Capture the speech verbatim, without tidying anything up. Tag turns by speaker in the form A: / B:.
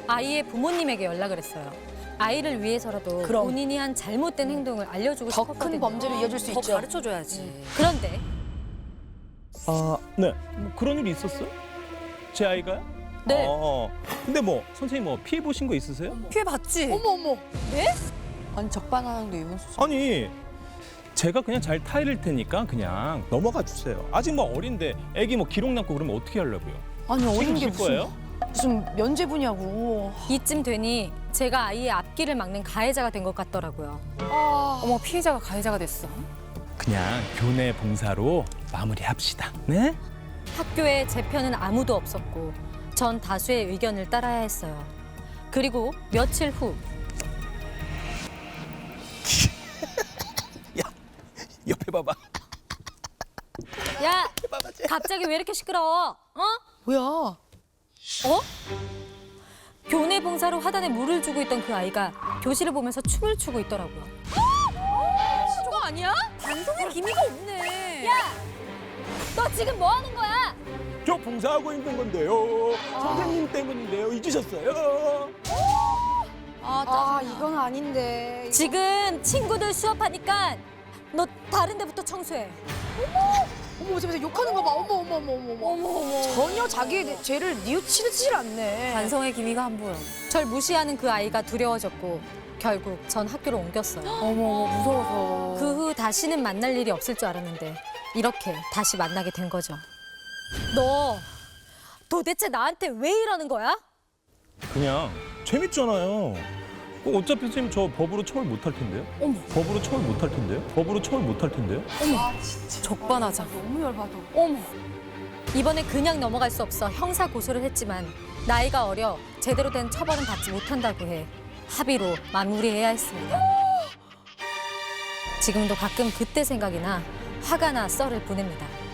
A: 아이의 부모님에게 연락을 했어요. 아이를 위해서라도
B: 그럼.
A: 본인이 한 잘못된 행동을 알려주고
B: 더
A: 싶었거든요.
B: 큰 범죄로 이어질 수
C: 더
B: 있죠.
C: 가르쳐줘야지.
A: 그런데
D: 아, 네. 뭐 그런 일이 있었어요? 제 아이가요?
A: 네.
D: 어, 근데 뭐 선생님 뭐 피해 보신 거 있으세요?
C: 피해 봤지.
B: 어머 어머. 네? 아니 적반하장도 이혼수죠.
D: 아니, 제가 그냥 잘 타이를 테니까 그냥 넘어가 주세요. 아직 뭐 어린데 애기 뭐 기록 남고 그러면 어떻게 하려고요?
B: 아니 어린 게
D: 책임질
B: 무슨
D: 거예요?
B: 무슨 면제부냐고.
A: 이쯤 되니 제가 아이의 앞길을 막는 가해자가 된 것 같더라고요.
B: 아.
C: 어머 피해자가 가해자가 됐어.
D: 그냥 교내 봉사로 마무리합시다. 네?
A: 학교에 제 편은 아무도 없었고 전 다수의 의견을 따라야 했어요. 그리고 며칠 후
D: 야, 옆에 봐봐.
A: 야, 갑자기 왜 이렇게 시끄러워? 어?
B: 뭐야?
A: 어? 교내 봉사로 화단에 물을 주고 있던 그 아이가 교실을 보면서 춤을 추고 있더라고요.
C: 그거 아니야? 반성의 기미가 없네.
A: 야! 너 지금 뭐 하는 거야?
D: 저 봉사하고 있는 건데요. 선생님 때문인데요. 잊으셨어요?
B: 아, 아 이건 아닌데.
A: 지금 친구들 수업하니까 너 다른 데부터 청소해.
B: 어머 저기서 욕하는 거 봐. 어머 어머 어머 어머 어머 어머. 전혀 자기의 죄를 뉘우치질 않네.
C: 반성의 기미가 안 보여.
A: 절 무시하는 그 아이가 두려워졌고 결국 전 학교를 옮겼어요.
B: 어머 어머 무서워서.
A: 그 후 다시는 만날 일이 없을 줄 알았는데 이렇게 다시 만나게 된 거죠. 너 도대체 나한테 왜 이러는 거야?
D: 그냥 재밌잖아요. 그 어차피 선생님 저 법으로 처벌 못 할 텐데요? 어머. 법으로 처벌 못 할 텐데요? 법으로 처벌 못 할 텐데요?
B: 아 진짜.
C: 적반하장.
B: 너무 열받아.
A: 어머. 이번에 그냥 넘어갈 수 없어 형사 고소를 했지만 나이가 어려 제대로 된 처벌은 받지 못한다고 해 합의로 마무리해야 했습니다. 지금도 가끔 그때 생각이 나 화가 나 썰을 보냅니다.